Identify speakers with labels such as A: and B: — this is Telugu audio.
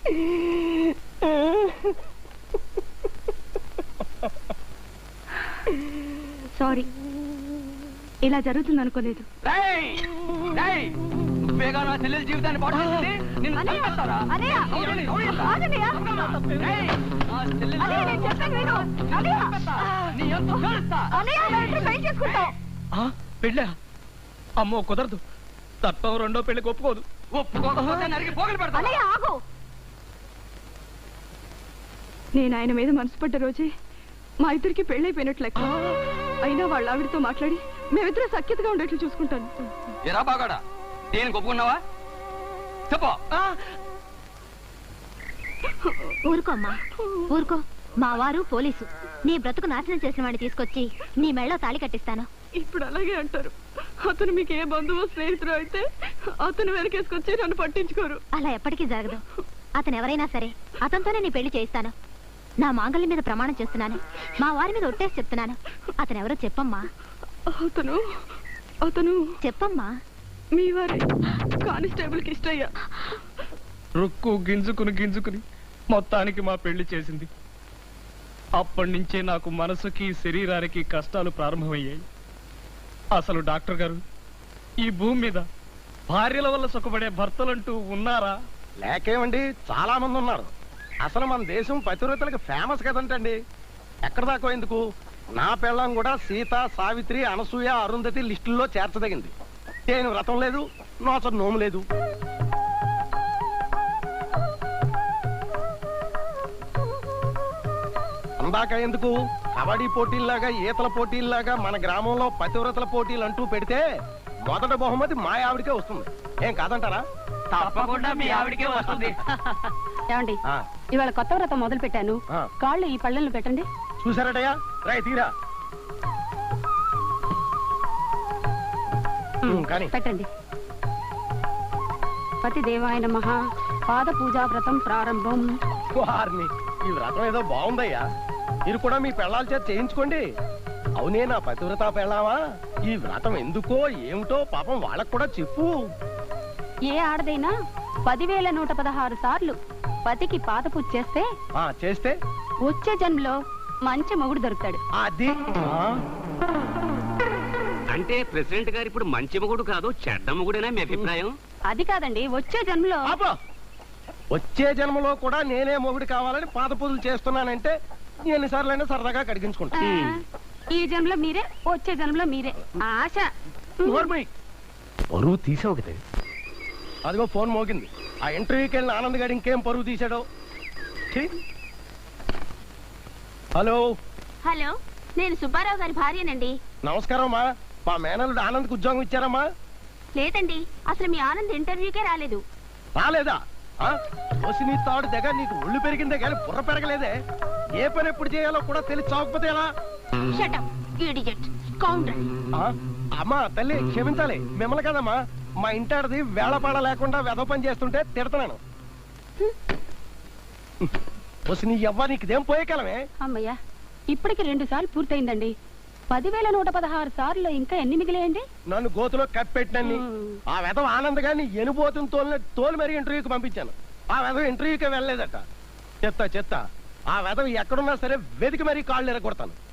A: సారీ, ఇలా జరుగుతుంది అనుకోలేదు.
B: చెల్లెల జీవితాన్ని పెళ్ళా? అమ్మో కుదరదు. తప్పం రెండో పెళ్లికి ఒప్పుకోదు.
A: నేను ఆయన మీద మనసు పడ్డ రోజే మా ఇద్దరికి పెళ్ళైపోయినట్లు లెక్క. అయినా వాళ్ళ ఆవిడతో మాట్లాడి మేమిద్దరం సఖ్యతగా ఉండేట్లు చూసుకుంటాను.
B: ఎరా బాగాడా, దేనికి ఒప్పుకున్నావా? చెప్పు.
C: ఊరుకో అమ్మా, ఊరుకో. మా వారు పోలీసు. నీ బ్రతుకు నాశనం చేసిన వాడిని తీసుకొచ్చి నీ మెళ్ళో తాళి కట్టిస్తాను.
A: ఇప్పుడు అలాగే అంటారు. అతను మీకు ఏ బంధువు స్నేహితుడు అయితే అతను వెనకేసుకొచ్చి నన్ను పట్టించుకోరు.
C: అలా ఎప్పటికీ జరగదు. అతను ఎవరైనా సరే అతనితోనే నీ పెళ్లి చేయిస్తాను. నా మాంగళ్యం మీద ప్రమాణం చేస్తున్నాను. మా వారి మీద ఒట్టేసి చెప్తున్నాను. అతను ఎవరో చెప్పమ్మా.
A: అతను అతను
C: చెప్పమ్మా.
A: మీ వారి కానిస్టేబుల్ కి ఇష్టయ్యా.
B: రుక్కు గింజుకుని మొత్తానికి మా పెళ్లి చేసింది. అప్పటి నుంచే నాకు మనసుకి శరీరానికి కష్టాలు ప్రారంభమయ్యాయి. అసలు డాక్టర్ గారు, ఈ భూమి మీద భార్యల వల్ల సుఖపడే భర్తలంటూ ఉన్నారా?
D: లేకేమండి, చాలా మంది ఉన్నారు. అసలు మన దేశం పతివ్రతలకు ఫేమస్ కదంటండి. ఎక్కడ దాకా ఎందుకు, నా పెళ్ళం కూడా సీత, సావిత్రి, అనసూయ, అరుంధతి లిస్టుల్లో చేర్చదగింది. నేను వ్రతం లేదు, నోచ నోము లేదు. అందాక ఎందుకు, కబడ్డీ పోటీల్లాగా, ఈతల పోటీల్లాగా మన గ్రామంలో పతివ్రతల పోటీలు అంటూ పెడితే మొదటి బహుమతి మా ఆవిడికే వస్తుంది. ఏం కాదంటారా?
B: తప్పకుండా మీ ఆవిడికే వస్తుంది.
A: ఏమండి, ఇవాళ కొత్త వ్రతం మొదలు పెట్టాను. కాళ్ళు ఈ పళ్ళెలను పెట్టండి.
D: చూసారటయ్యా, రాయి తీరా కానీ
A: పెట్టండి. పతి దేవాయ నమః. పాద పూజా వ్రతం ప్రారంభం.
D: వారిని, ఈ వ్రతం ఏదో బాగుందయ్యా. మీరు కూడా మీ పెళ్ళాల చేత చేయించుకోండి. అవునే నా పతివ్రత పెళ్ళావా, ఈ వ్రతం ఎందుకో ఏమిటో పాపం వాళ్ళకు కూడా చెప్పు.
A: ఏ ఆడదైనా 10,116 సార్లు పతికి పాద పూజ చేస్తే
D: చేస్తే
A: వచ్చే జన్మలో మంచి మొగుడు దొరుకుతాడు.
D: అది
E: అంటే ప్రెసిడెంట్ గారు ఇప్పుడు మంచి మొగుడు కాదు, చెడ్డ మొగుడేనా మీ అభిప్రాయం?
A: అది కాదండి, వచ్చే జన్మలో.
D: వచ్చే జన్మలో కూడా నేనే మొగుడు కావాలని పాద పూజలు చేస్తున్నానంటే ఎన్నిసార్లైనా సరదాగా కడిగించుకుంటా.
A: ఈ జన్మలో మీరే, వచ్చే జన్మలో మీరే. ఆశ.
D: పరువు తీసావు కదా. అదిగో ఫోన్ మోగింది. ఆ ఇంటర్వ్యూకి వెళ్ళిన ఆనంద్ గారు ఇంకేం పరువు తీశాడో. హలో
C: హలో, నేను సుబ్బారావు గారి భార్యనండి.
D: నమస్కారం అమ్మా. మా మేనల్లుడు ఆనంద్కి ఉద్యోగం ఇచ్చారమ్మా?
C: లేదండి, అసలు మీ ఆనంద్ ఇంటర్వ్యూకే రాలేదు.
D: రాలేదా? నీ తాడు దగ్గర నీకు ఒళ్ళు పెరిగిందే కానీ బుర్ర పెరగలేదే. ఏ పని ఎప్పుడు చేయాలో కూడా తెలిసి చావకపోతే ఎలా? అమ్మా తల్లి క్షమించాలి, మిమ్మల్ని కదమ్మా. మా ఇంటాడిది వేళపాడ లేకుండా వెధ పని చేస్తుంటే తిడతాను. నీ ఎవ్వ నీకుదేం పోయే కాలమే.
A: అమ్మయ్యా, ఇప్పటికి 2 సార్లు పూర్తయిందండి. 10,116 సార్లు ఇంకా ఎన్ని మిగిలేయండి?
D: నన్ను గోతులో కప్పెట్టినన్ని. ఆ వెధవ ఆనంద్ గారిని ఎనుబోతుని తోలు మరీ ఇంటర్వ్యూకి పంపించాను. ఆ వెధవ ఇంటర్వ్యూకి వెళ్ళలేదట. చెత్త ఆ వెధవ ఎక్కడున్నా సరే వెతికి మరీ కాళ్ళు ఎరగొడతాను.